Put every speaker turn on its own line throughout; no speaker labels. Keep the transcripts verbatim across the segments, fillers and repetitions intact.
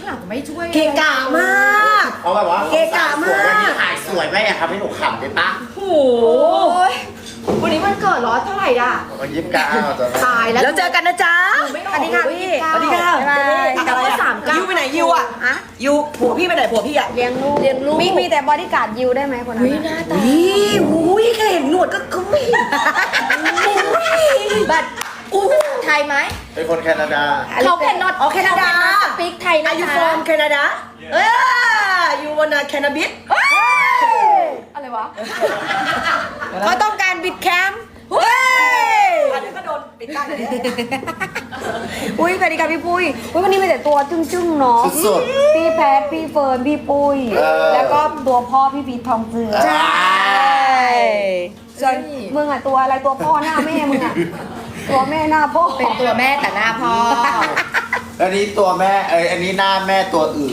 หลังไม่ช่วย
เกะกะมาก
เพราะแบบว่า
เกะกะมาก
วันนี้ถ่ายสวยไหมอะครับให้หนูขำได้ปะ
โอ้โหวันนี้มันเกิดร้อนเท่าไหร่ด่ะ
วันยี่สิบเก้าจะ
ตายแล้ว
แล้วเจอกันนะจ๊ะ
ไม่อ
ส
อก
วัสดีค่ะพี่
สวัสดีค่ะ
บ๊ายบาย
แต่ว่าสามเก้า
ยูไปไหนยูอ่ะ
อะ
ยูผัวพี่ไปไหนผัวพี่อ่ะ
เลี้ยงลูก
เลี้ยงลูก
มีมีแต่บอดี้การ์ดยิวได้ไหมคนนั้น
วิ
อะ
หน้าตา
นี่อุ้ยแค่เห็นหนวดก็ก็ไม่
บัตรอู้ไทยไหม
เป็นคนแคนาดา
เขาแคนนอต
อ๋อแคนาดา
สปีกไทยนะ
อายุ
คะ
ฟอร์มแคนาดาเออยูวันนาแคนาบิส
อะไรวะ
เขาต้องการบิดแคมป์
เฮ้ยอันนี้ก็โดนปิดกั้นเลย
อุ้ยสวัสดีค่ะพี่ปุ้ยอุ้ยวันนี้มีแต่ตัวจึ้งๆเนาะ
สุด
พี่แพทพี่เฟิร์นพี่ปุ้ย
เออ
แล้วก็ตัวพ่อพี่พีททองเจือ
ใช่
ส่วนมึงอ่ะตัวอะไรตัวพ่อหน้าแม่มึงอ่ะตัวแม่หน้าพ่อ
เป็นตัวแม่แต่หน้าพ่อ
อันนี้ตัวแม่เอ้ยอันนี้หน้าแม่ตัวอื่น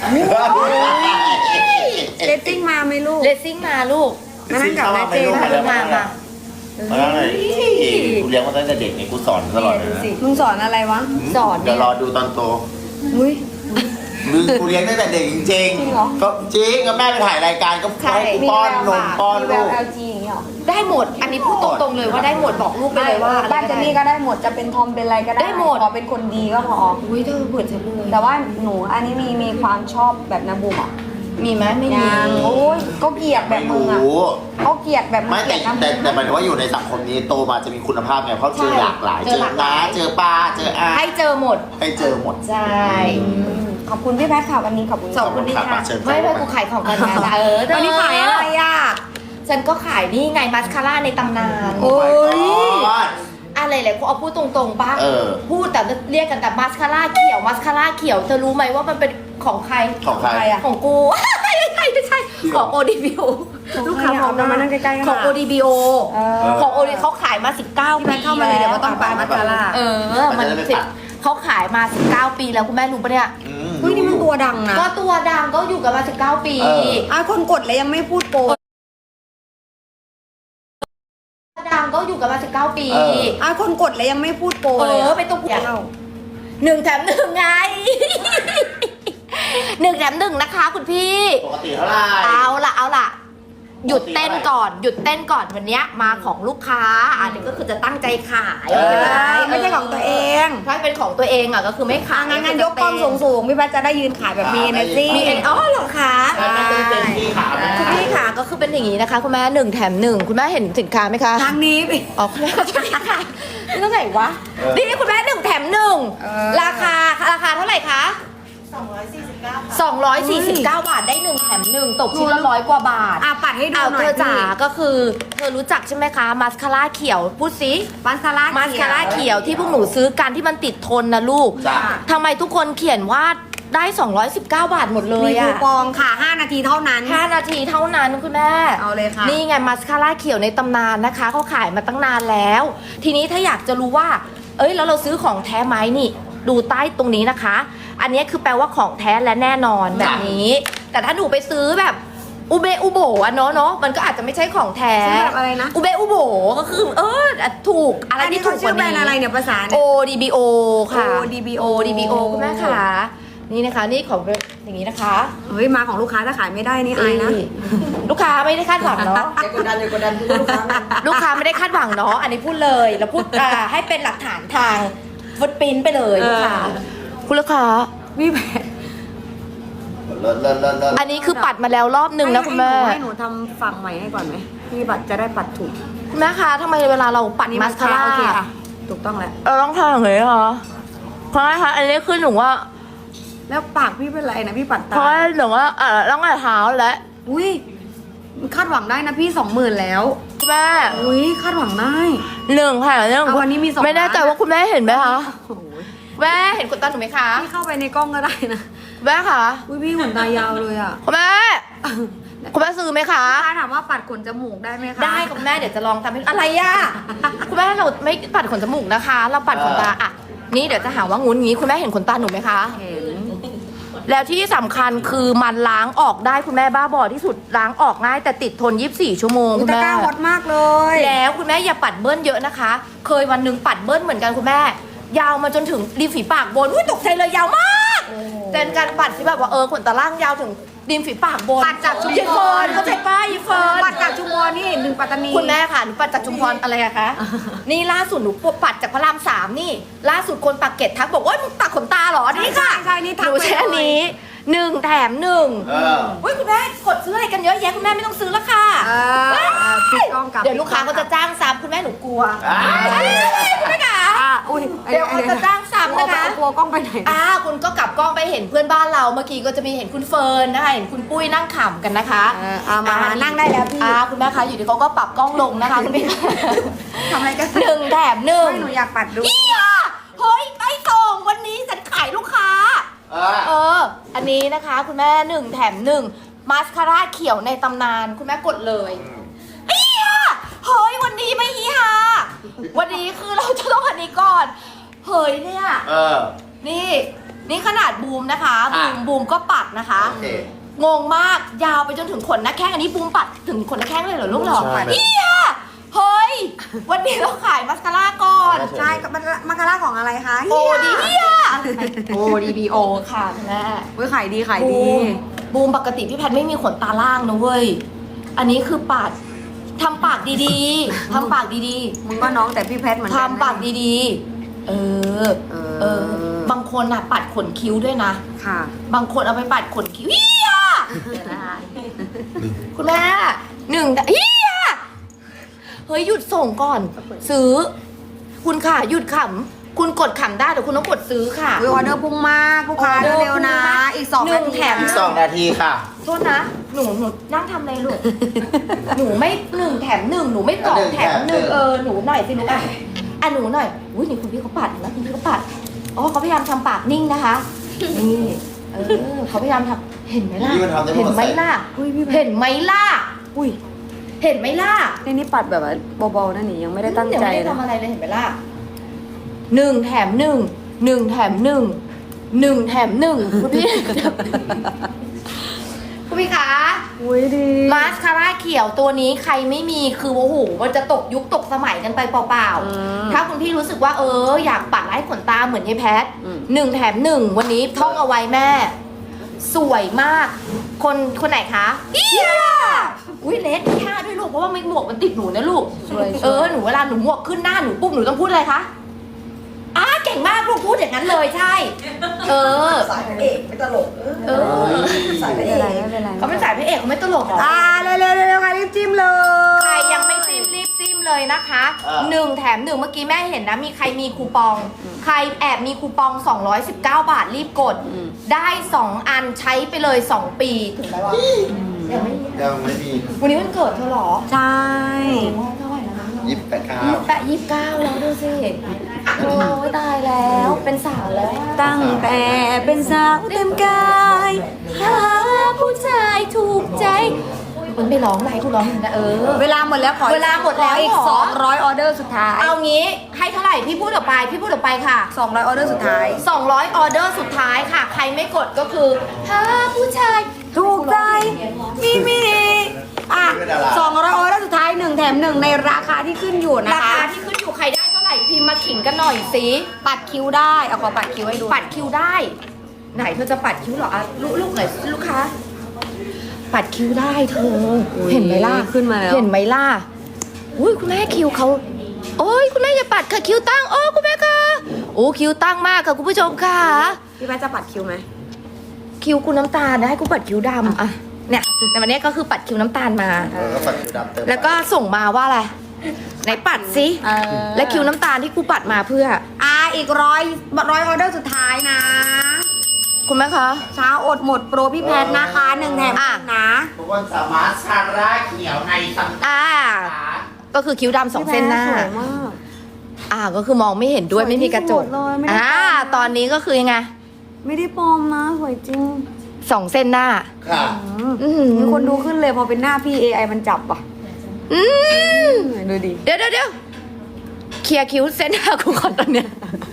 เลตติ้งมาไหมลูก
เลสซิ่งมาลูก
มานั่งกับแม่เจน
มามามา
มาแล้วไงกูเลี้ยงมาตั้งแต่เด็กไงกูสอนตลอดเลยนะ
มึงสอนอะไรวะ
สอน
เดี๋ยวรอดูตอนโต
อุ้ย
มึงกูเลี้ยงตั้งแต่เด็กจริง
จริงเหรอ
ก็จริงก็แม่ไปถ่ายรายการก็ให้กู
มี
ป้อน
แววน
ม
ปะ
ป้อน
มีแว
ลู
ว
ก
แอลจีอย่างเงี้ยเหรอ
ได้หมด อันนี้พูดตรงๆเลยว่าได้หมดบอกลูกไปเลยว่า
บ้านเจนนี่ก็ได้หมดจะเป็นทอมเป็นอะไรก็ได้
ได้หมด
ขอเป็นคนดีก็พอ
อุ้ยเธอเบื่อฉันเลย
แต่ว่าหนูอันนี้มีมีความชอบแบบนาบูมอ่ะ
มีไหมไม่มี
ยังโอ้ยก็เกลียดแบบมึงอ่ะ
รู้
เขาเกลียดแบบมึง
ไม่
เกลี
แต่
ยดนะ
แต่แต่หมายถึงว่าอยู่ในสังคมนี้โตมาจะมีคุณภาพไงเพราะเจอหลากหลาย
เจ
เจ
อ
อ
หลากหลา
น้าย เจอป้าเจออา
ให้เจอหมด
ให้เจอหมด
ใช่
ขอบคุณพี่แพทย์ค่ะวันนี้ขอบคุณ
สองคนนี้
ขอบคุณ
ค่ะ
ค่ะเชิญ
ไม่ไม่กูขายของกันนะเออ
วันนี้ขายอะไรอ่ะ
ฉันก็ขายนี่ไงมัสคาร่าในตำนาน
โอ้ย
อะไรเลยกูเอาพูดตรงๆป่ะ
เออ
พูดแต่เรียกกันแต่มัสคาร่าเขียวมัสคาร่าเขียวเธอรู้ไหมว่ามันเป็นของใคร
ของใคร
ใครอะ
ของกู ไม่ใช่ไม่ใช่ของ โอ ดี บี โอ ลูกค้า
เอามานั่งใกล้ๆกัน
ของ
ค่ะ
โอ ดี บี โอ
เออ
ของโอดีเขาขายมาสิบเก้า
พี่
ปี
แพทย์เข้ามาเลยเดี๋ยวก็ต้องปามัสคาร่า
เออ มันสิบเขาขายมาสิบเก้าปีแล้วคุณแม่รู้ปะเนี่ย
อืม
เฮ้ยนี่มันตัวดังนะ
ก็ตัวดังก็อยู่กันมาสิบเก้าปี
เออ
อ่ะคนกดแล้วยังไม่พูดโปร
ดังก็อยู่กันมาสิบเก้าปี
เออ
อ่ะคนกดแล้วยังไม่พูดโปร
เอ
เลย
อไปตัว
เอ้า
หนึ่งแถมหนึ่งไง หนึ่งแถมหนึ่งนะคะคุณพี่
ปกติเท่าไหร่
เอาละเอาละหยุดเต้นก่อน หยุดเต้นก่อนวันเนี้ยมาของลูกค้าอันนี้ก็คือจะตั้งใจขาย
เออ
ไม่ใช่ของตัวเอง
ถ้าเป็นของตัวเองอ่ะก็คือไม่ขาย
งานงานยกกล้องสูงๆพี่แพทย์จะได้ยืนขายแบบมี energy
มีเอ็นอ๋อเหรอคะ
มันเป็นเต็มที่ขาไหม
คุณพี่ค่ะก็คือเป็นอย่างนี้นะคะ คุณแม่หนึ่งแถมหนึ่งคุณแม่เห็นสินค้าไหมคะ
ทางนี้พี่
อ๋อคุณแม่ขอโทษค่ะนี่เท่าไหร่วะนี่คุณแม่หนึ่งแถมหนึ่ง
เออ
ราคาราคาเท่าไหร่คะสองร้อยสี่สิบเก้าบาทได้หนึ่งแถมหนึ่งตกชิ้นละร้อยกว่าบาท
อ่ะปัดให้ดู
เอา
หน่อ
เธ
ย
อจ๋าก็คือเธอรู้จักใช่ไหมคะมาสคาร่าเขียวพูดสิ
มาสคาร่า
มาสคาร่าเขียวที่พวกหนูซื้อกันที่มันติดทนนะลูก
จ้ะ
ทำไมทุกคนเขียนว่าได้สองร้อยสิบเก้าบาทหมดเล
มี
ย
คู
อะ
ปองค่ะห้านาทีเท่านั้น
ห้านาทีเท่านั้นคุณแม่
เอาเลยค่ะ
นี่ไงมาสคาร่าเขียวในตำนานนะคะเขาขายมาตั้งนานแล้ว ทีนี้ถ้าอยากจะรู้ว่า เอ้ยแล้วเราซื้อของแท้ไหมนี่ ดูใต้ตรงนี้นะคะ อันนี้คือแปลว่าของแท้และแน่นอนแบบนี้ แต่ถ้าหนูไปซื้อแบบอุเบอุโบอะเนาะเนาะมันก็อาจจะไม่ใช่ของแท้
ซื้อแบบอะไรนะ
อุเบอุโบก็คือ เออถูกอะไร
อันนี้
ที่ถู
เขา
กก
ชื่อ
ว่า
แบรนด์
นี้
อะไรเนี่ยภาษา
โอ
เนี่ย
ดีบีโอค่ะ
โอ ดี บี โอ
โอดีบีโอคุณแม่ค่ะนี่นะคะนี่ของอย่างนี้นะคะ
เฮ้ยมาของลูกค้าถ้าขายไม่ได้นี่อายนะ
ลูกค้าไม่ได้คาดหวังเนาะ
อย่ากดดันอย่ากดดันพูดลูกค้า
ลูกค้าไม่ได้คาดหวังเนาะอันนี้พูดเลยแล้วพูดอ่าให้เป็นหลักฐานทางฟุตปรินท์ไปเลย
เออ
ลูกค้าคุณลูกค้า
พี่แพท
เลิศเลิศเลิศเลิศ
อันนี้คือปัดมาแล้วรอบหนึ่งนะคุณแม่
ให้หนูทำฝั่งใหม่ให้ก่อนไหมพี่บัตรจะได้ปัดถูก
คุณแม่คะทำไมเวลาเราปัด
นี่
มาสคาร่า
โอเคค่ะถูกต้องแล้ว
เราต้องทำอย่างนี้เหรอเพราะคะอันนี้คือหนูว่า
แล้วปากพี่เป็นไรนะพี่ปัด
เพ
ตา
ราะหนูว่าอ่าต้องแต่เท้าและ
อุ้ยคาดหวังได้นะพี่สองหมื่นแล้ว
คุณแม่
อุ้ยคาดหวังได้
หนึ่งค่ะหนึ่ง
เอาวันนี้มีสอง
ไม่แน่ใจ
ล้าน
ว่าคุณแม่เห็นไหมคะ
โอ้โห
แม่เห็นขนตาหนูไหมคะ
พี่เข้าไปในกล้องก็ได้นะ
แม่คะ
อุ้ยพี่ขนตายาวเลยอ่ะ
คุณแม่คุณแม่ซื้อไหมคะ
ถ้าถามว่าปัดขนจมูกได้ไหมคะ
ได้ค่ะคุณแม่เดี๋ยวจะลองทำให้อะไรย่ะ คุณแม่เราไม่ปัดขนจมูกนะคะ เราปัดขนตาอ่ะนี่เดี๋ยวจะหาว่างุ้นงี้คุณแม่เห็นขนตาหนูไหมคะ
เห็น
แล้วที่สำคัญคือมันล้างออกได้คุณแม่บ้าบอที่สุดล้างออกง่ายแต่ติดทนยี่สิบสี่ชั่วโมง
อุ
คุ
ย
ณ
ตะ
แม่
กร้าฮอตมากเลย
แล้วคุณแม่อย่าปัดเบิ้ลเยอะนะคะ เคยวันหนึ่งปัดเบิ้ลเหมือนกันคุณแม่ ยาวมาจนถึงริมฝีปากบนอุ้ยตกใจเลยยาวมาก
โอ้โห
เป็นการปัดที่แบบว่าเออขนตาล่างยาวถึงริมฝีปากบน
ปัดจากชุมพร
ยีเฟิร์นเข้าใจป้ายีเฟิร์น
ปัดจากชุมพรนี่หนึ่งปัตตานี
คุณแม่ค่ะหนูปัดจากชุมพรอะไรอะคะ นี่ล่าสุดหนูปัดจากพระรามสามนี่ ล่าสุดคนปากเกร็ดทักบอกว่ามึงตัดขนตาเหรอนี่ค่ะ
ใช่ใช่นี่ทัก
หนูใช้อัน
ไปเลย
นี้หนึ่งแถมหนึ่ง
เออ
อุ้ยคุณแม่กดซื้ออะไรกันเยอะแยะคุณแม่ไม่ต้องซื้อแล้วค่ะ
เออปิดกล้องกับ
เดี๋ยวลูกค้าก็จะจ้างซ้ำคุณแม่หนูกลัว
อ่า
คุณแม่ค่ะ
อ่ะอุ้ย
เดี๋ยวเขาจะจ้างซ้ำนะคะ
กลัวกล้องไปไหน
อ่าคุณก็กลับกล้องไปเห็นเพื่อนบ้านเราเมื่อกี้ก็จะมีเห็นคุณเฟิร์นนะคะเห็นคุณปุ้ยนั่งขำกันนะคะ
เออเอามานั่งได้แล้วพี่
อ่าคุณแม่คะอยู่ดีเขาก็ปรับกล้องลงนะคะคุณพี่
ทำอะไรกัน
หนึ่งแถมหนึ่ง
ไม่หนูอยากปัดดู
เฮียเฮ้ยไปส่งวันนี้ฉันขายลูกค้า
อ่า
เออ อันนี้นะคะ คุณแม่หนึ่งแถมหนึ่งมาสคาร่าเขียวในตำนานคุณแม่กดเลยเฮียเฮ้ยวันนี้ไม่เฮียวันนี้คือเราจะต้องอันนี้ก่อนเฮ้ยเนี่ย
เออ
นี่นี่ขนาดบูมนะคะบู
อ่ะ
มบูมก็ปัดนะคะ
โอเค
งงมากยาวไปจนถึงขนหน้าแข้งอันนี้บูมปัดถึงขนหน้าแข้งเลยเหรอลูกเหรอ
ใช่
เฮียเฮ้ยวันนี้เราขายมัสคาร่าก่อน
ใช่กับมันมาการ่าของอะไรคะ
โอดีเฮียโอดีบีโอค่ะคุณแม่
เว้ยขายดีขาย
บู
ดี
มบูมปกติพี่แพทย์ไม่มีขนตาล่างนะเว้ยอันนี้คือปัดทำปากดีๆทำปากดี
มึงก็น้องแต่พี่แพทเหมือน
ๆ
กัน
ทำปากดีๆ เออ
เอ
เออ
อบ
างคนอ่ะปัดขนคิ้วด้วยนะ
ค่ะ
บางคนเอาไปปัดขนคิ้วเฮียคุณแม่หนึ่งเฮียเฮ้ยหยุดส่งก่อน ซื้อ คุณค่ะหยุดขำคุณกดขำได้แต่คุณต้องกดซื้อค่ะ
วิวออเดอร์พุ่งมากลูกค้า
ออเดอร์
เร็วๆนะ
พุ่งมาก
อีกสอง
หนึ่
นาง ที
แถม
อีกสองนาทีค่ะ
โทษนะ หนูหนูนั่งทำอะไรลูก หนูไม่หนึ่งแถมหนึ่งหนูไม่สองแถมหนึ่งเออหนูหน่อยสิลูกอ่ะอ่ะหนูหน่อยอุ้ยนี่คุณพี่เขาปัดนะคุณพี่เขาปัดอ๋อเขาพยายามทำปากนิ่งนะคะนี่เออเขาพยายามทำเห็นไหมล่ะ
นี่มันทำได้หมด
เห็นไหมล่ะ
อุ้ยพี่แพท
เห็นไหมล่ะ
อุ้ย
เห็นไหมล่ะ
ในนี้ปัดแบบว่าเบาๆนั่นนี่ยังไม่ได้ตั้ง
เดี๋ยว
ใจ
ไม่ได้
นะ
ทำอะไรเลยเห็นไหมล่ะหนึ่งแถมหนึ่งหนึ่งแถมหนึ่งหนึ่งแถมหนึ่งคุณพี่ คุณพี่คะ
อุ้ยดี
มาสคาร่าเขียวตัวนี้ใครไม่มีคือโอ้โหมันจะตกยุคตกสมัยกันไปเปล่า
อืม
ๆถ้าคุณพี่รู้สึกว่าเอออยากปัดไล่ขนตาเหมือนยายแพท
อืม
หนึ่งแถมหนึ่งวันนี้ท่องเอาไว้แม่ สวยมาก คนคนไหนคะอียอุ้ยเลสท่าด้วยลูกเพราะว่าไม่หมวกมันติดหนูนะลูก
สวย
เออหนูเวลาหนูหมวกขึ้นหน้าหนูปุ๊บหนูต้องพูดอะไรคะอ้าเก่งมากลูกพูดอย่างนั้นเลยใช่ เออ
สายพระเอกไม่ตลก
เออ
สายพ
ไม่
ระเอ
เป็นไร
ก
ไม่เป็นไร
เขาเป็นสายพระเอกเขาไม่ตลกหรอ
อ่าเร็วๆเร็วๆใครรีบจิ้มเลย
ใครยังไม่จิ้มรีบจิ้มเลยนะคะ
เออ
หนึ่งแถมหนึ่งเมื่อกี้แม่เห็นนะมีใครมีคูปอง ใครแอบมีคูปองสองร้อยสิบเก้าบาทรีบกด ได้สองอันใช้ไปเลยสองปีถึงไหมวะยังไม่มี
ยังไม่มี
วันนี้วันเกิดเธอเหรอ
ใช่
โอ้ยเท่าไหร่แล้วนะ
ยี่สิบแปดข้า
ยี่
ว
สิบแปดยี่สิบเก้าแล้วดูสิโอ้ยตายแล้วเป็นสาวแล้วอะ
ตั้งแต่เป็นสาวเต็มกาย
หาผู้ชายถูกใจมันไม่ร้องไรกูร้องอยู่นะเออ
เวลาหมดแล้วขอ
เวลาหมดแล้ว
ขออีก
เหรอ
สองร้อยออเดอร์สุดท้าย
เอางี้ให้เท่าไหร่พี่พูดออกไปพี่พูดออกไปค่ะ
สองร้อยออเดอร์สุดท้าย
สองร้อยออเดอร์สุดท้ายค่ะ ใครไม่กดก็คือหาผู้ชาย
ถูกใจมีมีอ่ะสองร้อยออเดอร์สุดท้ายหนึ่งแถมหนึ่งในราคาที่ขึ้นอยู่นะ
รา
คะ
คาที่ขึ้นอยู่ใครได้เท่าไหร่พิมพ์มาขิงกันหน่อยสิ
ปัดคิ้วได้เอาขอปัดคิ้วให้ดู
ปัดคิวได้ ไหนเธอจะปัดคิ้วเหรออ่ะลูกลูกหน่อยลูกค้าปัดคิ้วได้เธอเห็นไหมล่ะ
ขึ้นมาแล้ว
เห็นไหมล่ะอุ้ยคุณแม่คิ้วเขาโอ้ยคุณแม่อย่าปัดค่ะคิ้วตั้งโอ้คุณแม่ค่ะโอ้คิ้วตั้งมากค่ะคุณผู้ชมค่ะ
พี่แพทย์จะปัดคิ้วไหม
คิ้วกูน้ำตาลนะให้กูปัดคิ้วดำอ่ะเนี่ยแต่วันนี้ก็คือปัดคิ้วน้ำตาลมา
เออก็ปัดคิวดำเติม
แล้วก็ส่งมาว่าอะไรไหนปัดสิ
เออ
และคิ้วน้ำตาลที่กูปัดมาเพื่อ
อ่ะอีกร้อยร้อยออเดอร์สุดท้ายนะ
คุณแม่คะ
เช้าอดหมดโปรพี่แพทย์นะคะหนึ่งแถมหนึ่งนะ
ทุกคนสามารถชาร่าเขียวในสังกัด
อ่า ก็คือคิ้วดำสองเส้นหน้า
พี่แพทย์สวยมาก
อ่าก็คือมองไม่เห็นด้วย
สวย
ไม่มีกระจก
ที่สุดเลยไม่ได้
อ่า
ปลอมนะ
ตอนนี้ก็คือยังไง
ไม่ได้ปลอมนะสวยจริง
สองเส้นหน้า
ค่ะ
อือหือ
มีคนดูขึ้นเลยพอเป็นหน้าพี่ เอ ไอ มันจับอ่ะ
อืม
ดูดิ
เดี๋ยวเดี๋ยวเดี๋ยวเคลียร์คิ้วเส้นหน้ากูก่อนตอนเนี้ย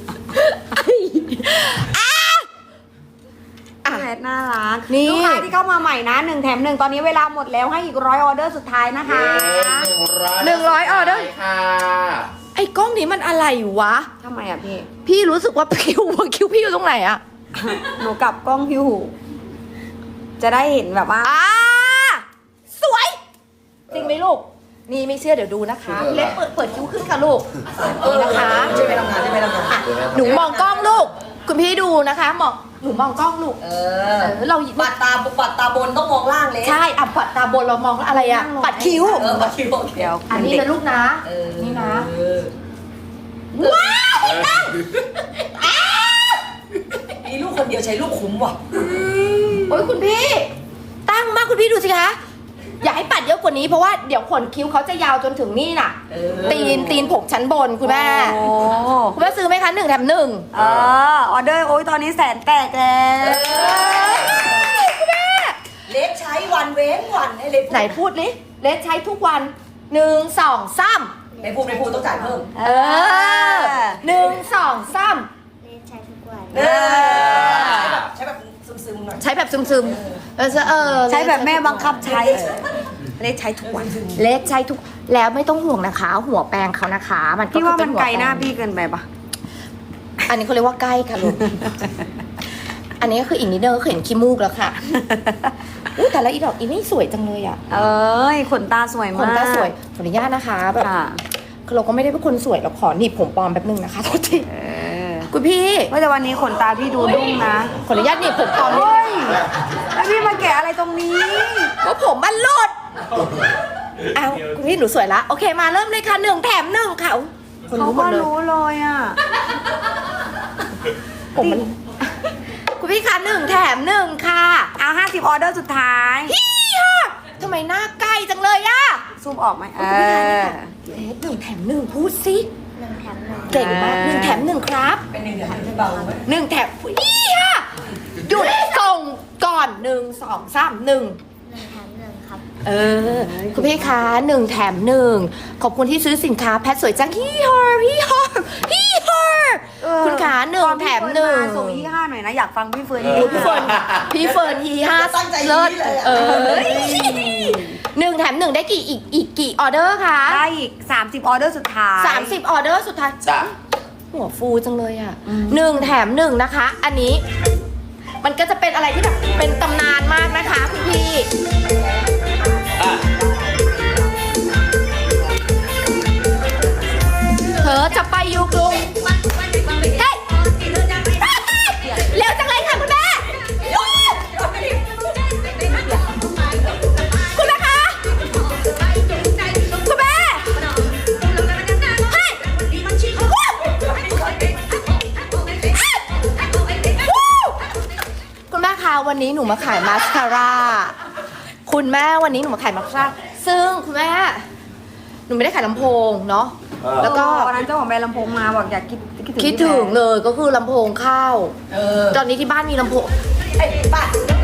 อ่ะ
พี่แพทย์น่ารัก
นี่
ลูกค้าที่เข้ามาใหม่นะหนึ่งแถมหนึ่งตอนนี้เวลาหมดแล้วให้อีกร้อยออเดอร์สุดท้ายนะคะ
หนึ่งร้อยออเดอร์
ค่ะ
ไอ้กล้องนี้มันอะไรวะ
ทำไมอ่ะพี่
พี่รู้สึกว่าคิ้วคิ้วพี่อยู่ตรงไหนอะ
หนูกลับกล้องอยู่ จะได้เห็นแบบว่า
อ่าสวย จริงไหมลูก นี่ไม่เชื่อเดี๋ยวดูนะคะพี่เล็กเปิดเปิดคิ้วขึ้นค่ะลูกนี่นะคะ
ใช่ไหมทำงานใช่ไหมทำงาน
อ่ะหนูมองกล้องลูก คุณพี่ดูนะคะมองหนูมองกล้องลูก
เอ
เอ
อ
อเรา
ปัดตาปัดตาบนต้องมองล่างเลย
ใช่อ่ะปัดตาบนเรามองอะไรอ่ะ ปัดคิ้ว
เออปัดคิ้วโอเค
เดี๋ยว
อันนี้นะลูกนะ
เออ
นี่นะ
เออ
ว้าวตั้ง
มีลูกคนเดียวใช้ลูกคุ้มว่ะ
โอ้ยคุณพี่ ตั้งมากคุณพี่ดูสิคะ อย่าให้ปัดเยอะกว่านี้เพราะว่าเดี๋ยวขนคิ้วเขาจะยาวจนถึงนี่น่ะ
เออ
ตีนตีนผกชั้นบนคุณแม่
โอ้
คุณแม่ซื้อไหมคะหนึ่งแถมหนึ่ง
เออออเดอร์โอ้ยตอนนี้แสนแตกแล้ว
คุณแม่
เล็กใช้วันเว้นวันให้เล็ก
ไหนพูดลิเลสใช้ทุกวันหนึ่งสองสาม
ในพูดในพูดต้องจ่ายเพิ่ม
เออหนึ่งสองสาม
เออใช้แบบซึมๆหน่อย
ใช้แบบซึมๆเออเออ
ใช้แบบแม่บังคับใช้เล็กใช้ทุกวัน
เลสใช้ทุกแล้วไม่ต้องห่วงนะคะ หัวแปรงเขานะคะ มันก็
พี่ว่า
คือ
มัน
เป็
ไกลหน้า
หัวแปรง
พี่เกินไปปะ
อันนี้เขาเรียกว่าใกล้ค่ะลูก อันนี้ก็คืออีกนิดเดียวก็เห็นขี้มูกแล้วค่ะอุ้ยแต่ละอีดอกอีนี่สวยจังเลยอ่ะ
เอ้ยขนตาสวย
ข
มาก
นตาสวยขออนุญาตนะคะแบบ
ค่ะ
คือเราก็ไม่ได้เป็นคนสวยเราขอหนีบผมปลอมแป๊บนึงนะคะโทษที
เออ
คุณพี่
ว่าแต่วันนี้ขนตาพี่ดูดุ้งนะ
ขออนุญาตหนีบผมปลอมนิด
เฮ้
นึง
ยแล้วพี่มาแกะอะไรตรงนี้
ว่าผมมันหลุดอ้าวคุณพี่หนูสวยละโอเคมาเริ่มเลยค่ะหนึ่งแถมหนึ่งค่ะคน
เขา
รู้หม
ก็
ดเลย
รู้เลยอ่ะ
ผมมัน คุณพี่คะหนึ่งแถมหนึ่งค่ะ
เอาห้าสิบออเดอร์สุดท้าย
พี่ค่ะทำไมหน้าใกล้จังเลยอะ
ซูมออกไหมเอ
คุณพี่คะ
อ
เลสหนึ่งแถมหนึ่งพูดสิเก่งมากหนึ่งแถมหนึ่งครับ
เป็นหนึ่งเดือนที่เบาไหม
หนึ่งแถมพี่ค่ะหยุดส่งก่อนหนึ่งสองสามหนึ่งเออคุณพี่คะหนึ่งแถมหนึ่งขอบคุณที่ซื้อสินค้าแพทสวยจังพี่ฮอร์พี่ฮอร์พี่ฮอร์
เออ
คุณขาหนึ่ง
ตอ
แถมหนึ่ง
พี่เฟิร์มาส่งยี่ห้าหน่อยนะอยากฟังพี่เฟิร์น
พี่เฟิร์นพี่เฟิร์นฮีห้า
ตั้งใจ
เลิศ
ยี่เลยอะ
เออหนึ่งแถมหนึ่งได้กี่อีกอีกกี่ออเดอร์คะ
ได้อีกสามสิบออเดอร์สุดท้าย
สามสิบออเดอร์สุดท้าย
จ้ะ
หัวฟูจังเลยอ่ะหนึ่งแถมหนึ่งนะคะ อันนี้ มันก็จะเป็นอะไรที่แบบเป็นตำนานมากนะคะคุณพี่
อ่ะ
เธอจะไปอยู่กรุงเฮ้ยเร็วจังเลยค่ะคุณแม่คุณแม่คะคุณแม่เฮ้ยวู้วู้คุณแม่คะวันนี้หนูมาขายมาสคาร่าคุณแม่วันนี้หนูมาขายมาสคาร่าซึ่งคุณแม่หนูไม่ได้ขายลำโพงเนาะ แล้วก็
วันนั้นเจ้าของแบรนด์ลำโพงมาบอกอยากคิดคิดถึง
คิดถึงเลยก็คือลำโพงเข้า
เออ
ตอนนี้ที่บ้านมีลำโพง
ไอ้ป้า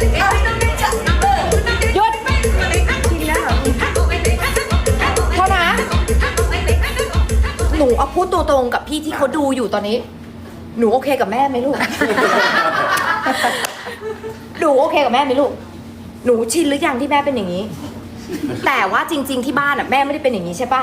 หยุด
จริงนะเหรอ
เท่านะ หนูเอาพูดตัวตรงกับพี่ที่เขาดูอยู่ตอนนี้ หนูโอเคกับแม่ไหมลูก หนูโอเคกับแม่ไหมลูก หนูชินหรือยังที่แม่เป็นอย่างนี้ แต่ว่าจริง ๆที่บ้านอ่ะแม่ไม่ได้เป็นอย่างนี้ใช่ปะ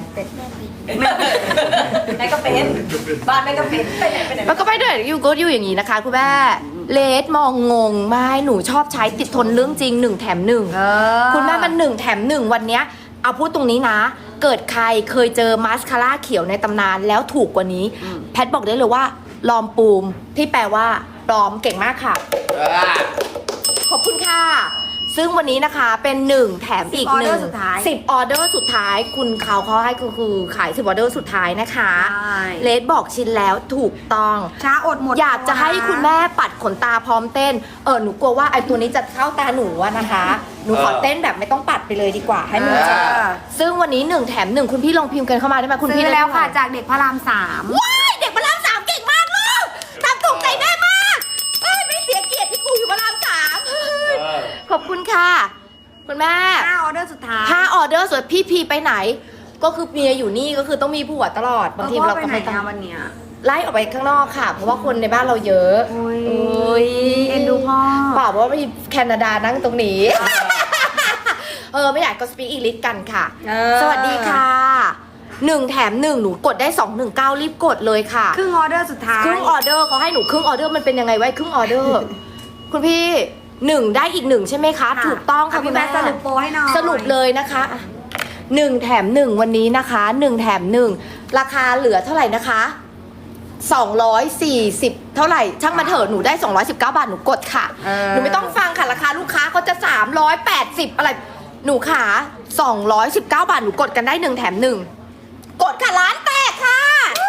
แม่ก็เป็นบ้านแม่ก็เป็นไปไหนไปไหน
มันก็ไปด้วยอยู่ก็อยู่อย่างนี้นะคะคุณแม่เลสมองงงไม่หนูชอบใช้ติดทนเรื่องจริงหนึ่งแถมหนึ่ง
เออ
คุณแม่มันหนึ่งแถมหนึ่งวันเนี้ยเอาพูดตรงนี้นะ เกิดใครเคยเจอมาสคาร่าเขียวในตำนานแล้วถูกกว่านี้ แพทบอกได้เลยว่าลอมปูมที่แปลว่าปลอมเก่งมากค่ะ
อ่ะ
ขอบคุณค่ะ ซึ่งวันนี้นะคะเป็นหนึ่งแถมอีก
สิบ
หนึ่ง
ออเดอร์สุดท้าย
สิบออเดอร์สุดท้าย คุณเขาเขาให้คือคือขายสิบออเดอร์สุดท้ายนะคะ
ใช่
เลสบอกชินแล้วถูกต้อง
ช้าอดหมด
อยากจะให้คุณแม่ปัดขนตาพร้อมเต้น เออหนูกลัวว่าไอ้ตัวนี้จะเข้าตาหนูอะนะคะ หนูขอเต้นแบบไม่ต้องปัดไปเลยดีกว่าให้มัน
เอ
เจ็บ
อ
ซึ่งวันนี้หนึ่งแถมหนึ่งคุณพี่ลองพิมพ์กันเข้ามาได้ไหมคุณ
ซื้
พี่
อ
ได้
แล้ว
เท่าไห
ค่ะ
ร่
จากเด็กพระรามสาม
ว้ายเด็กพระรามสามเก่งมากลูกทำถูกใจแม่มากเอ้ยไม่เสียเกียรติที่กูอยู่พระรามสามเฮ้ย
เออ
ขอบคุณค่ะ คุณแม่
ห้าออเดอร์สุดท้าย
ถ้าออเดอร์ส่วนพี่พีไปไหน ก็คือเมียอยู่นี่ก็คือต้องมีผัวตลอดบางทีเรา
ไป
ก็
ไหน
ไม่ต้อง
อะวันเนี้ย
ไล่ออกไปข้างนอกค่ะ เพราะว่าคนในบ้านเราเยอะ
โอ้ย
โอ้ย
เอ็นดูพ่อ
เปล่าว่ามีแคนาดานั่งตรงนี้ เออไม่อยากก็สปีกอีลิทกันค่ะ
เออ
สวัสดีค่ะหนึ่งแถมหนึ่งหนูกดได้สองหนึ่งเก้ารีบกดเลยค่ะ
ครึ่งออเดอร์สุดท้าย
ครึ่งออเดอร์เขาให้หนูครึ่งออเดอร์มันเป็นยังไงไว้ครึ่งออเดอร์ คุณพี่หนึ่งได้อีกหนึ่งใช่ไหมคะ ถูกต้องค่ะ
ะ
คุ
พี่
ณ
แม่
แม่
สรุปโปรให้หน่อย
สรุปเลยนะคะหนึ่งแถมหนึ่งวันนี้นะคะหนึ่งแถมหนึ่งราคาเหลือเท่าไหร่นะคะสองร้อยสี่สิบเท่าไหร่ช่างมาเถอะหนูได้สองร้อยสิบเก้าบาทหนูกดค่ะ
เออ
หนูไม่ต้องฟังค่ะราคาลูกค้าเขาจะสามร้อยแปดสิบอะไรหนูขาสองร้อยสิบเก้าบาทหนูกดกันได้หนึ่งแถมหนึ่งกดค่ะร้านแตกค่ะ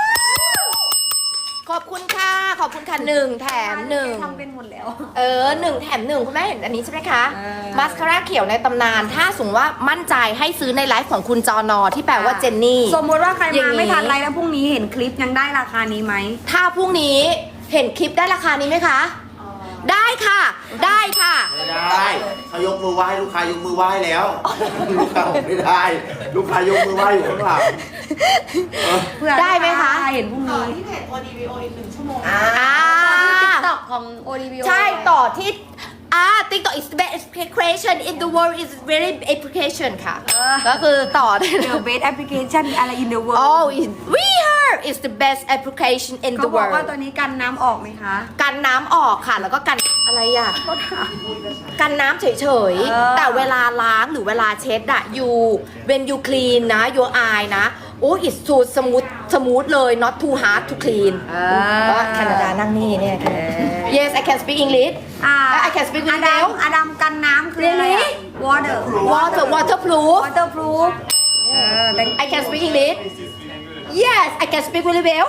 ขอบคุณค่ะขอบคุณค่ะหนึ่งแถมหนึ่ง
ทำเป็นหมดแล้ว
เออหนึ่งแถมหนึ่งคุณแม่เห็นอันนี้ใช่ไหมคะ
เออ
มาสคาร่าเขียวในตำนาน ถ้าสมมติว่ามั่นใจให้ซื้อในไลฟ์ของคุณจอนอที่แปลว่าเจนนี่
สมมติว่าใคร
อย่า
มาง
นี้
ไม่ทันไรแล้วพรุ่งนี้เห็นคลิปยังได้ราคานี้ไหม
ถ้าพรุ่งนี้เห็นคลิปได้ราคานี้ไหมคะ ได้ค่ะ ได้ค่ะ
ไม่ได้เขายกมือไหว้ลูกค้ายกมือไหว้แล้ว ลูกค้าบอกไม่ได้ ลูกค้ายกมือไหว้อยู่ข้างหลังเออ
เพื่อ
ได้ไหมคะ
เห็นพรุ่งนี้
ที่เพจ โอ ดี วี โอ อีกหนึ่งชั่วโมง
อ่า
ติ๊กต็อกของ โอ ดี วี โอ
ใช่ต่อที่อ่า TikTok is the best application in the world is very application ค่ะ
เออ
ก็คือต่อได้
The best application อะไร in the world
Oh is we heard is the best application in
เขา
the
บอกว่า
world
ตัวนี้กันน้ำออกไหมคะ
กันน้ำออกค่ะ แล้วก็กันอะไรอ่ะ กันน้ำเฉย
เออ
ๆ แต่เวลาล้างหรือเวลาเช็ดอะ you when you clean นะ your eye นะ โอ้ it's so smooth smooth เลย not too hard to clean ก็แคนาดานั่งนี่เนี่ย yes I can speak English
อ่า
I can speak
อ
English
ดัมอดัมกันน้ำคืออะไรอะ
Really?
water
water waterproof
waterproof เออ thank
I can speak English yes I can speak really well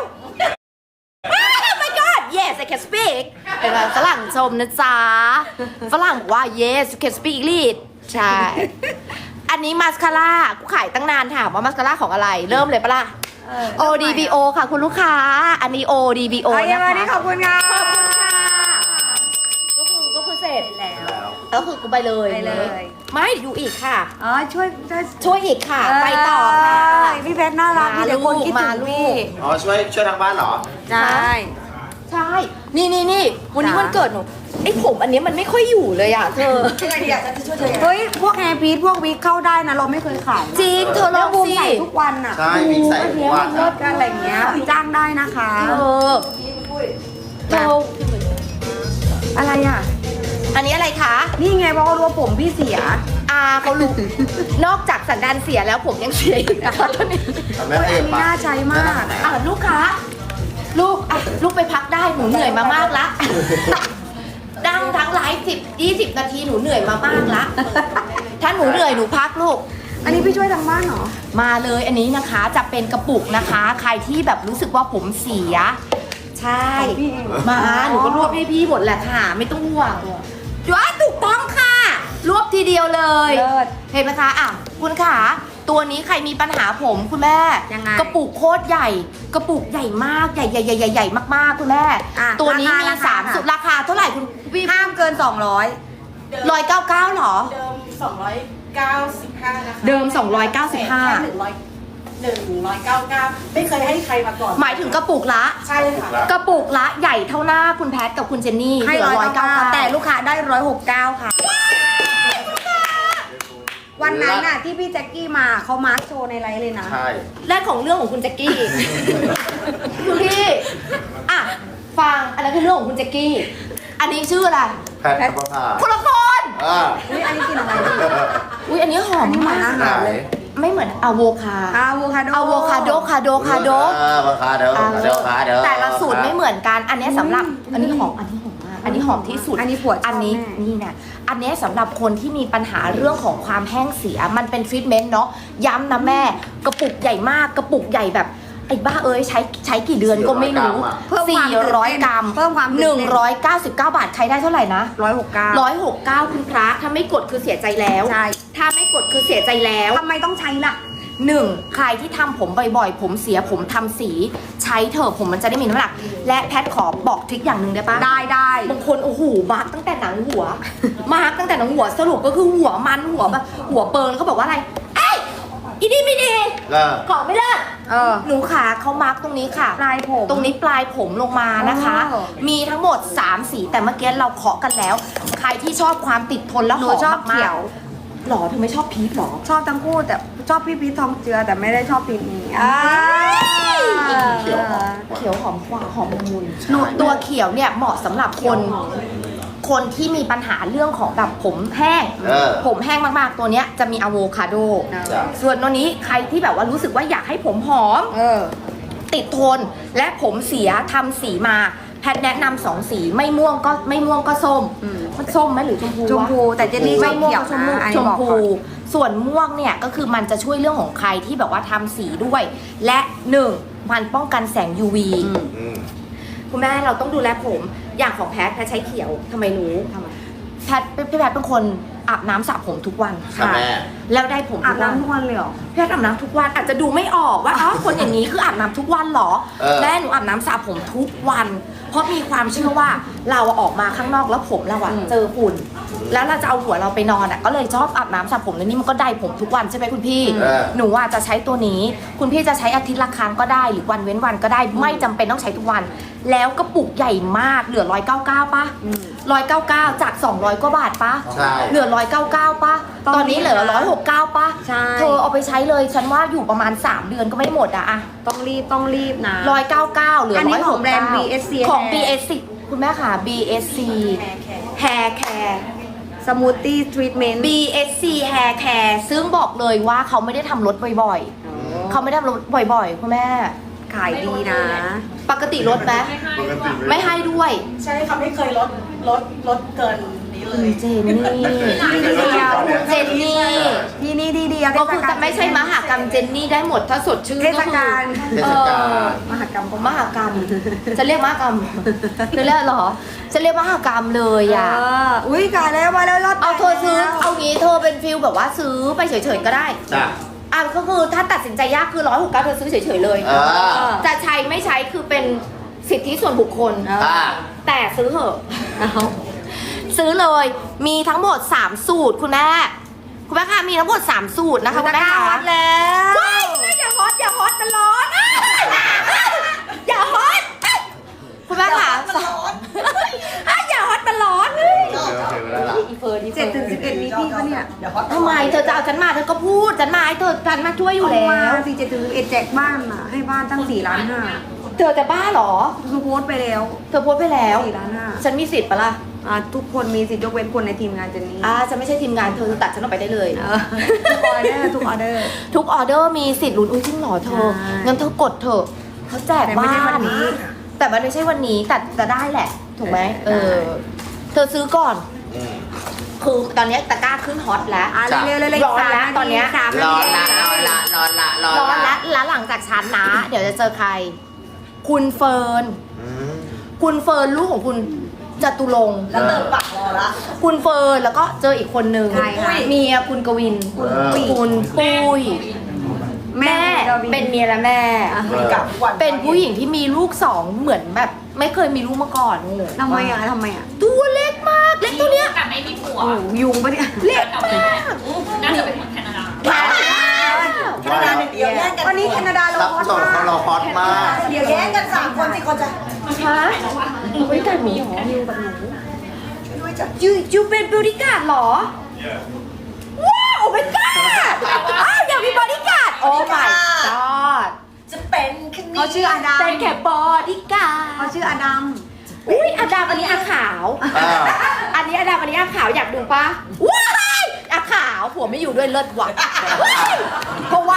oh my god yes I can speak เป็นว่าฝรั่งชมนะจ๊ะฝรั่งบอกว่า yes you can speak English ใช่ อันนี้มาสคาร่ากูขายตั้งนานถามว่ามาสคาร่าของอะไร เริ่มเลยปะล่ะ
เออ
โอ ดี บี โอ ค่ะคุณลูกค้า อันนี้ โอ ดี บี โอ
โอ้ย
นะ
วันนี้
คะ
ขอบคุณค่ะ
ขอบคุณค่ะ ก็คือก็คือเสร็จ
แล้ว
ก็คือกูไปเลย
ไปเลย
ไม่อยู่อีกค่ะ
อ๋อช่วยช่วย
ช่วยอีกค่ะ ไปต่อค่ะ
เอ้ยพี่เพชรน่ารัก
มา
มีแต่คนคิด
ลู
ถึ
ก
ง
มา
พี่
ลูก
อ๋อช่วยช่วยทางบ้านเหรอ
ใช่
ใช่ นี่นี่นี่วันนี้
จ้ะ
วันเกิดหนูไอ้ผมอันเนี้ยมันไม่ค่อยอยู่เลยอ่ะเธอ
ยังไงดีอ่ะฉันจะช่วยเธอยังไง
เฮ้ยพวกแฮร์พีทพวกวิกเข้าได้นะเราไม่เคยขายนะ
จริงเธอล
แล้
อ
ว
ง
บูม
สิ
ใส่ทุกวันอ่ะ
ใช่มีใส่ทุกวัน
เลิศกันอะไรอย่างเงี้ยจ้างได้นะคะ
เธอเธอ
อะไรอ่ะ
อันนี้อะไรคะ
นี่ไงเพราะเขารู้ว่าผมพี่เสีย
อาเขารู้ นอกจากสันดานเสียแล้วผมยังเสียอีกนะคะตอนนี้
ทำแม่
โอ้ย
เอ
อัน
ฟ
นี้
ปะ
น่าใช้มาก
อ่ะลูกค้าลูกอ่ะลูกไปพักได้หนูเหนื่อยมามากละดังทั้งไลฟ์สิบยี่สิบนาทีหนูเหนื่อยมามากละ ถ้าหนูเหนื่อยหนูพักลูก
อันนี้พี่ช่วยทางบ้านเหรอ
มาเลยอันนี้นะคะจะเป็นกระปุกนะคะ ใครที่แบบรู้สึกว่าผมเสีย ใช่
ของพี่เอง
มาหนูก็รวบให้พี่หมดแหละค่ะ ไม่ต้องห่วงจ้าถูกต้องค่ะ รวบทีเดียวเลย
เลิศ
เห็นไหมคะอ่ะคุณขาตัวนี้ใครมีปัญหาผมคุณแม่
ยังไง
กระปุกโคตรใหญ่ กระปุกใหญ่มากใหญ่ใหญ่ใหญ่ใหญ่ใหญ่มากๆคุณแม่
อ่ะ
ตัวนี้มี
ราคา
สาม
ราคา
สุดราคาเท่าไหร่คุณพี่
ห้ามเกินสองร้อย
ร้อยเก้าเก้าหรอ
เดิมสองร้อยเก้าสิบห้านะคะ
เดิมสองร้อยเก้าสิบห้า
แค่หนึ่งร้อยหนึ่งร้อยเก้าเก้าไม่เคยให้ใครมาก่อน
หมายถึงกระปุกละ
ใช่ค่ะ
กระปุกละใหญ่เท่าหน้าคุณแพทกับคุณเจนนี่
ให้
เหลื
ร้
อ
อยเก้า
ร้อยเก้า
แต่ลูกค้าได้ร้อยหกเก้าค่ะ วันนั้นน่ะที่พี่แจ็คกี้มาเขามาร์คโชว์ในไลฟ์เลยนะ
ใช่
แรกของเรื่องของคุณแจ็คกี้ คุณพี่อ่ะฟังอันนั้นคือเรื่องของคุณแจ็คกี้ อันนี้ชื่ออะไร
แพทย์ธรรมภา
คนละคน
อ่า
อุ้ยอันนี้กินอะไรดี
อุ้ยอันนี้หอม
อันนี้เหมื
มา
อน
ก
อาหารเลย
ไม่เหมือนอะโวคา
อะโวคาโด
อะโวคาโดคาโดคาโด
อ่าราคาเด้อเด้อขาเด้อ
แต่ละสูตรไม่เหมือนกัน อันนี้สำหรับ อันนี้หอม อันนี้หอมมาก อันนี้หอมที่สุด
อันนี้ผัวชอบ
อันนี้
แม่
นี่นะอันนี้สำหรับคนที่มีปัญหาเรื่องของความแห้งเสีย มันเป็นทรีทเมนต์เนาะ ย้ำนะแม่ กระปุกใหญ่มาก กระปุกใหญ่แบบ ไอ้บ้าเอ้ยใช้ใช้กี่เดือนก็ไม่รู้
เพิ่มความ
สี่ร้อยกรัม
เพิ่มความตื่น
ห
เต้
นึ่งร้อยเก้าสิบเก้าบาท ใครได้เท่าไหร่นะ
ร้อยหกเก้า
ร้อยหกเก้าคุณพระถ้าไม่กดคือเสียใจแล้ว
ใช่
ถ้าไม่กดคือเสียใจแล้ว
ทำไมต้องใช้ล่ะ
หนึ่งใครที่ทำผมบ่อยๆ ผมเสียผมทำสี ใช้เถอะผมมันจะได้มีน้ำหนัก และแพทขอบอกทริคอย่างหนึ่งได้ปะ
ได้ได้
บางคนโอ้โหมาร์กตั้งแต่หนังหัว มาร์กตั้งแต่หนังหัวสรุปก็คือหัวมันหัวแบบหัวเปิงแล้วก็บอกว่าอะไรเอ้ยอีนี่ไม่ดี
เลิก
ขอไม่เลิก
เออ
หนูขาเขามาร์กตรงนี้ค่ะ
ปลายผม
ตรงนี้ปลายผมลงมานะคะ
อ๋อ
มีทั้งหมดสามสีแต่เมื่อกี้เราเคาะกันแล้ว ใครที่ชอบความติดทนแล้ว
หนู
หอม
ชอบ
มากๆ
เขียว
หรอเธอไม่ชอบพีชหรอ
ชอบทั้งคู่แต่ชอบพี่พีททองเจือแต่ไม่ได้ชอบพีทนี้อ่า
เขียวหอม
เขียวหอมกว่าหอมละมุนหนูตัวเขียวเนี่ยเหมาะสำหรับคน คนที่มีปัญหาเรื่องของแบบผมแห้ง
เออ
ผมแห้งมากๆตัวเนี้ยจะมีอะโวคาโด
จ้ะ
ส่วนตัวนี้ใครที่แบบว่ารู้สึกว่าอยากให้ผมหอม
เออ
ติดทนและผมเสียทำสีมาแพทย์แนะนำสองสีไม่ม่วงก็ไม่ม่วงก็ส้ม
อืม
มันส้มไหมหรือชมพูวะ
ชมพูแต่เจนนี่ช
ไม่
อบ
ม่วง
เขียว
ก็ชมพู
นะอัน
ช
นี้
ม
บอก
พู
ก่อน
ส่วนม่วงเนี่ยก็คือมันจะช่วยเรื่องของใครที่แบบว่าทำสีด้วย และหนึ่งมันป้องกันแสง ยู วี
อืม
อืม
คุณแม่เราต้องดูแลผมอย่างของแพทย์แพทย์ใช้เขียวทำไมรู้
ทำไม
แพทย์พี่แพทย์เป็นคนอาบน้ำสระผมทุกวัน
ค่ะแม่
แล้วได้ผม
อา
ทุ
บ
กวัน
น้ำทุกวันเลยเหรอ
พี่แพทย์อาบน้ำทุกวันอาจจะดูไม่ออกว่าอ๋อคนอย่างนี้คืออาบน้ำทุกวันเหรอ
เออ
แม่หนูอาบน้ำสระผมทุกวัน เพราะมีความเชื่อว่าเราอะออกมาข้างนอกแล้วผมเราอะ
อืม
เจอฝุ่น แล้วเราจะเอาหัวเราไปนอนอะก็เลยชอบอาบน้ำสระผมแล้วนี่มันก็ได้ผมทุกวันใช่ไหมคุณพี่
เออ
หนูอะจะใช้ตัวนี้ คุณพี่จะใช้อาทิตย์ละครั้งก็ได้หรือวันเว้นวันก็ได้ไม่จำเป็นต้องใช้ทุกวัน แล้วกระปุกใหญ่มากเหลือร้อยเก้าเก้าป่ะ
อืม
ร้อยเก้าเก้าจากสองร้อยกว่าบาทป่ะ
ใช่
เหลือร้อยเก้าเก้าป่ะ
ตอน
ตอนนี้เหลือ
นี้นะ
ร้อยหกเก้าป่ะ
ใช่
เธอเอาไปใช้เลย ฉันว่าอยู่ประมาณ สาม เดือนก็ไม่หมดอะอะ
ต้องรีบต้องรีบนะ
ร้อยเก้าเก้าเหลือ
อันนี้
ร้อย
ข
ห
อง
ก
แบรนด์
เก้า
บี เอส ซี
ของ
Hair
บี เอส ซี คุณแม่ค่ะ บี เอส ซี Hair Care
สมูทตี้ทรีทเมนต์
บี เอส ซี Hair Care ซึ่งบอกเลยว่าเขาไม่ได้ทำลดบ่อยๆ เขาไม่ได้ทำลดบ่อยๆ คุณแม่
ขายดีนะ
ปกติลดไหม
ปกติ
ไม่ให้ด้วย
ใช่ค่ะไม่เคยลดลดลดเกินนี้เลย
เจนนี่
ที่เดียว
เจนนี่
ที่นี่ที่เดียว
ก็คือจะไม่ใช่มหากรรมเจนนี่ได้หมดถ้าสดชื่น
เท
ก็
ศ
คื
กาล
เทศกาล
มหากรรม
มหากรรม จะเรียกมหากรรมจะเรียกเหรอ จะเรียกมหากรรมเลย
เอ
อ่ะ
ออุ้ยขายแล้วมาแล้วรอด
เอาเธอซื้อ เอางี้เธอเป็นฟิลแบบว่าซื้อไปเฉยๆก็ได้
จ้ะ
อ่ะก็คือถ้าตัดสินใจยากคือร้อยหกเก้าเธอซื้อเฉยๆเลย
เออ
จะใช้ไม่ใช้คือเป็นสิทธิส่วนบุคคล
อ่า
แต่ซื้อเหอะ
เอา
ซื้อเลยมีทั้งหมดสามสูตรคุณแม่คุณแม่คะมีทั้งหมดสามสูตรนะคะคุณแม่
ตะกร้า
คะ
วัดแล้ว
ว้ายคุณแม่อย่าฮอตอย่าฮอตมันร้อนอ่ะอย่าฮอตคุณแม่ค่ะอ่ะอย่าฮอตมันร้อน
เจอเจอแล้วล่ะ
อีเฟิร์นอีเฟิ
เจ็ด
ร์น
ถึงสิบเอ็ดมีพี่ปะเนี่ย
เดี๋ยวฮอต
ทำไมเธอจะเอาฉันมาเธอก็พูดฉันมาให้เธอฉันมาช่วยอยู่
เอา
แล้
มาว สี่เจ็ดถึงสิบเอ็ดแจกบ้านอ่ะให้บ้านตั้งสี่ล้านห้า
เธอจะบ้าเหรอ
คือโพสต์ไปแล้ว
เธอโพสต์ไปแล้ว
สี่ล้านห้า
ฉันมีสิทธิ์ปะล่ะ
อ่าทุกคนมีสิทธิ์ยกเว้นคนในทีมงานเจนนี่
อ่าฉันไม่ใช่ทีมงานเธอตัดฉันออกไปได้เลย
เออทุกออเดอร์ทุกออเดอร์
ทุกออเดอร์มีสิทธิ์ลุ้นอุ้ยจริงเหรอเธอ
ใช่
งั้นเธอกดเถอะเขาแจก
แต่ไม่
บ้า
ใช่วัน
น
นี้
แต่มันไม่ใช่วันนี้แต่จะได้แหละ ถูกไหมเออ เธอซื้อก่อน
อืม
คือตอนนี้ตะกร้าขึ้นฮอตแล้ว
อ่ะ
จ้ะ
เร็วๆเลย
ร้อนแล้วตอนเนี้ย
สาม
ร้
นา
อน
ที
ละร้อนละร้อนละร้อน
ร้อน
ละ
แล้วแล้วหลังจากฉันนะ เดี๋ยวจะเจอใคร คุณเฟิร์น
อืม
คุณเฟิร์นลูกของคุณจตุรงค์
แล้วเติมปากรอละ
คุณเฟิร์นแล้วก็เจออีกคนนึง
ใช่ค่ะ
เมียคุณกวิน
คุณปุ้ย
คุณปุ้ย
แม่
แม่เป็นเมียและแม่
คุยกับทุกวัน
เป็นผู้หญิงที่มีลูกสองเหมือนแบบ ไม่เคยมีลูกมาก่อน
ทำไมอ่ะทำไมอ่ะ
ตัวเล็กมากเล็กตัวเนี้ย
แต่ไม่มีผัว
โอ้ยุงปะเนี่ย
เล็กมาก
น่าจะเป็นคนแคนาดา
แคนาดาหนึ่งเดียวแย่งกัน
วันนี้แคนาดาเรา
ซับ
ฮอต
ซ้อน
มา
เขา
ก
เราฮอตมาก
เดี๋ยวแย่งกันสามคนสิเขาจะ
ฮะบริการหมีหรอ
นิวกับหนู
ช่วยด้วยจ้ะ
ยูยูเป็นบริการหรอ ว้าวโอ้ my god อ้าวอยากมีบริการโอ้ my god
จะเป็นแค่นี้
เขาชื่ออดัม
เป็นแค่บริการ
เขาชื่ออดัม
อุ้ยอาดามอันนี้อาขาว
อ่า
อันนี้อาดามอันนี้อาขาวอยากดูปะว้ายอาขาวผัวไม่อยู่ด้วยเลิศว่ะเพราะว่า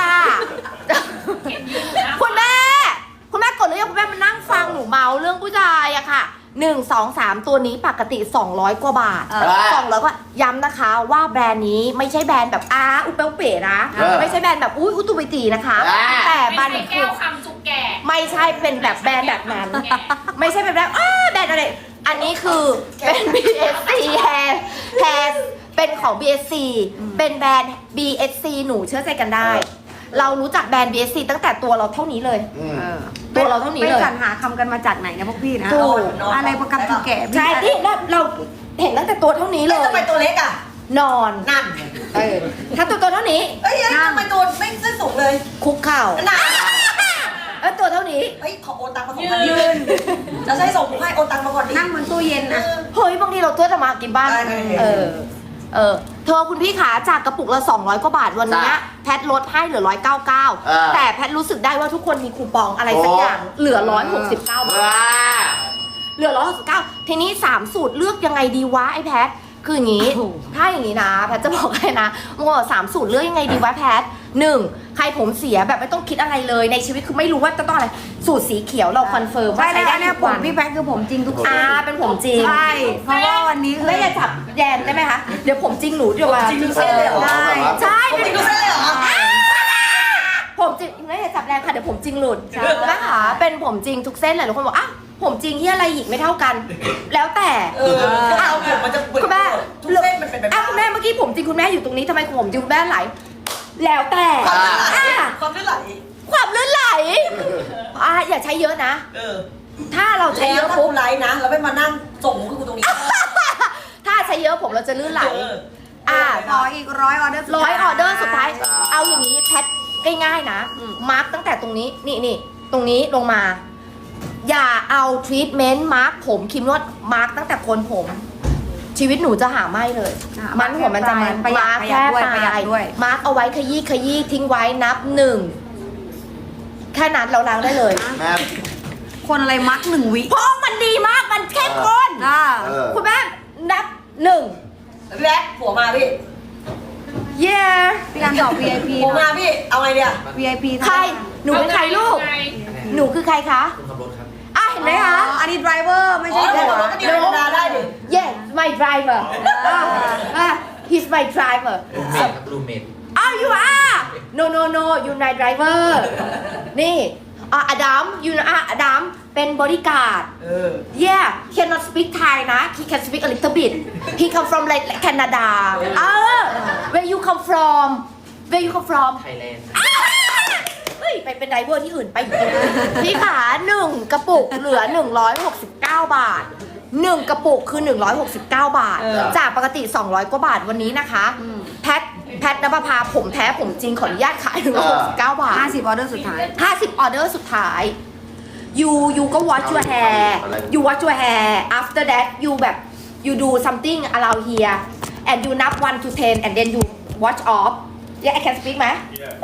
คุณแม่ คุณแม่กดหรือยังคุณแม่มานั่งฟังหนูเมาเรื่องผู้ชายอะค่ะหนึ่งสองสามตัวนี้ปกติสองร้อยกว่าบาท
เออ
สองร้อยกว่าย้ำนะคะว่าแบรนด์นี้ไม่ใช่แบรนด์แบบอาอุเปลเป๋นะ
เออ
ไม่ใช่แบรนด์แบบอุ้ยอุตุบิตีนะคะ
อ่า
แต่
ไม่
มัน
ใช่แก้วคำจุกแก่
ไม่ใช่เป็นแบบแบรนด์แบบนั้น ไม่ใช่เป็นแบบอ้าแบรนด์อะไร อันนี้คือเป็น บี เอส ซี Hair Hair เป็นของ บี เอส ซี เป็นแบรนด์ บี เอส ซี หนูเชื่อใจกันได้ เรารู้จักแบรนด์ บี เอส ซี ตั้งแต่ตัวเราเท่านี้เลย
อืม
เออ
ตัวเราเท่านี้เลย
ไปสรรหาคำกันมาจากไหนนะพวกพี่นะ
ถูก
อะไรประกันจุกแก่
ใช่ที่เราเราเห็นตั้งแต่ตัวเท่านี้เล
เอ้ย
ย
ทำไมตัวเล็กอ่ะ
นอน
นั่น
เออถ้าตัวตัวเท่านี้
เอ้ยเอ้ยทำไมตัวไม่เส้นสูงเลย
คุกเข่า
นั่น
เออตัวเท่านี้
เอ้ยขอโอนตังค์มาสองพันยืนจะใช้ส่งให้โอนตังค์มาก่อนดิ
นั่งบนตู้เย็นนะ
เฮ้ยบางทีเราตัวจะมากินบ้าน
ได้ได้
เออ เออเธอคุณพี่ขาจากกระปุกละสองร้อยกว่าบาทวันเนี้ย
จ้ะ
แพทลดให้เหลือหนึ่งร้อยเก้าสิบเก้า
เออ
แต่แพทรู้สึกได้ว่าทุกคนมีคูปองอะไรสักอย่างเหลือหนึ่งร้อยหกสิบเก้าบาท
ว้า
เหลือหนึ่งร้อยหกสิบเก้าทีนี้สามสูตรเลือกยังไงดีวะไอ้แพทคืออย่างนี้ ถ้าอย่างนี้นะแพทจะบอกให้นะว่าสามสูตรเลือกยังไงดีวะแพทหนึ่งใครผมเสียแบบไม่ต้องคิดอะไรเลยในชีวิตคือไม่รู้ว่าจะต้องอะไรสูตรสีเขียวเราคอนเฟิร์ม
ใช่
ว่า
แล้
ใช้
ว
ได้
อันเนี้ย
ทุก
ผม
วัน
พี่แพทคือผมจริงทุก
อ่าเป็นผมจริง
ใช่เพราะว่าวันนี้คือ
ไม่อย่าจับแยมได้ไหมคะเดี๋ยวผมจริงหนูเดี๋ยวมา
จริงทุกเส้นเลยเหรอ
ได้
ใช่
ผมจริงทุกเส้นเลยเหรอ
ผมจริงไม่อย่าจับแรงค่ะเดี๋ยวผมจริงหลุดนะคะเป็นผมจริงทุกเส้นเลยทุกคนบอกอ่ะผมจริงที่อะไรอีกไม่เท่ากัน แล้วแต่
เออเอาผมมันจะเปิด
คุณแม่
ทุกเส้นมันเป็นแบบ
อ่ะคุณแม่เมื่อกี้ผมจริงคุณแม่อยู่ตรงนี้ทำไมผมจริงคุณแม่ไหล แล้วแต่
อ่า
อ่ะ
ความลื่นไหล
ความลื่นไหลอ่ะอย่าใช้เยอะนะ
เออ
ถ้าเราใช้
แล้
เยว อะ
ถ้า
ปุ๊บ
กูไลฟ์นะ แล้วไม่มานั่งส่งมุกให้กูตรงนี้
ถ้าใช้เยอะผมเราจะลื่นไหล
เออ
อ่ะ
ขออีกร้อยออเดอร์สุด
ร้อย
ท้าย
ออเดอร์สุดท้าย
จ้า
เอาอย่างนี้แพทง่ายๆนะ มาร์กตั้งแต่ตรงนี้นี่นี่ตรงนี้ลงมา อย่าเอาทรีทเมนต์มาร์กผมครีมนวดมาร์กตั้งแต่โคนผม ชีวิตหนูจะหาไม่เลย
อ่ะ
มันหัวมันจะมัน
ประหยัด
มาร์ก
ประหยั
แค่
ดด้วย
ป
ประหยั
ลา
ด
ย
ด้วย
มาร์กเอาไว้ขยี้ขยี้ทิ้งไว้นับหนึ่งแค่นั้นเราล้างได้เลย
แม่
คนอะไรมักหนึ่งวิ
เพราะมันดีมากมันเข้มข้น
อ่า
เออ
คุณแม่นับหนึ่ง
พี่แบ๊กผัวมาพี่
เย้
พี่การตอบ วี ไอ พี
ผัวมาพี่ เอาไงเดีย
วี ไอ พี
ใครหนูเป็นใครลูก หนูคือใครคะ
คุณขับรถครับ
อ่ะเห็นไหมคะ
อันนี้ไดรเวอร์ไม่
อ๋อ
ใช่
ผั
หั
ว
ว
เราก็ดีธรรมดาได้ดิ
Yes my driver อ่ะอ่ะ he's my driver
รูเมทครับรูเมท
อ้าว you are no no no you my driver นี่อ่ะอดัม you อ่ะอดัมเป็นบริการด
เออ
yeah cannot speak Thai นะ he can speak a little bit he come from like Canada เออ where you come from where you come from
ไทยแลนด์
เฮ้ยไปเป็นไดเวอร์ที่อื่นไปอีกพี่ขาหนึ่งกระปุกเหลือ หนึ่งร้อยหกสิบเก้า บาทหนึ่งกระปุกคือ หนึ่งร้อยหกสิบเก้า บาท
เออ
จากปกติ สองร้อย กว่าบาทวันนี้นะคะ แพทแพทนภพาผมแท้ผมจริงขออนุญาตขายหนึ่งร้อยหกสิบเก้า บาท
ห้าสิบออเดอร์สุดท้าย
ห้าสิบออเดอร์สุดท้าย you you ก็ wash your hair you wash your hair after that you แบบ you do something around here and you นับ one to ten and then you wash off yeah I can speak ไหม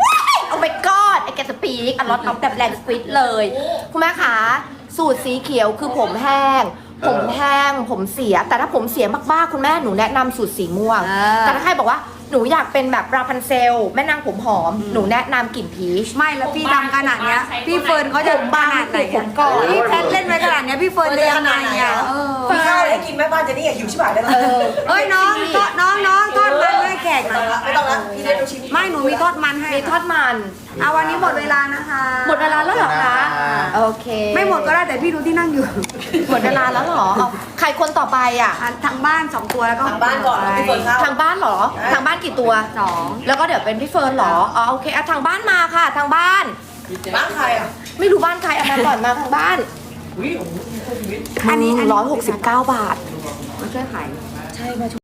Oh my god I can speak a lot of แบบแรงสปีดเลย คุณแม่คะสูตรสีเขียวคือผมแห้ง ผมแห้ง ผมเสีย แต่ถ้าผมเสียมากๆ คุณแม่หนูแนะนำสูตรสีม่วง
อ่า
แต่ถ้าใครบอกว่าหนูอยากเป็นแบบราพันเซล แม่นางผมหอม หนูแนะนำกลิ่นพีช
ไม่แล้วพี่ทำขนาดเนี้ยพี่เฟิร์นเขาจะ
ผมบาง
ขนาดไหน
ผมก่อน
พี่แพทเล่นไว้ขนาดเนี้ยพี่เฟิร์นจะยังไงอ่ะเออ
มีข้าวให้กินแม่บ้านเจนี่หิวชิบหายเลย
เออ
เอ้ยน้องทอดน้องน้องทอดมันให้แขกหน่อย
ไม่ต้องละพี่เล่นลูกชิ้น
ไม่หนูมีทอดมันให้
มีทอดมัน
เอาวันนี้หมดเวลานะคะ
หมดเวลาแล้วเหรอคะ โอเค
ไม่หมดก็ได้แต่พี่ดูที่นั่งอยู่
หมดเวลาแล้วเหรอเอาใครคนต่อไปอ่ะ
อ่ะทางบ้านสองตัวแล้วก็
ทางบ้านก่อนแล้วพี่เฟิร์นเข้า
ทางบ้านเหรอ ทางบ้านกี่ตัว
สอง
แล้วก็เดี๋ยวเป็นพี่เฟิร์นเหรอ อ๋อโอเคอ่ะทางบ้านมาค่ะ ทางบ้าน
บ้านใครอ่ะ
ไม่รู้บ้านใครเอามาก่อนมาทางบ้าน
อุ้ยโอ้โหชีวิต
อันนี้อันนี้
ร้อยหกสิบเก้าบาท
มาช่วยขาย
ใช่มา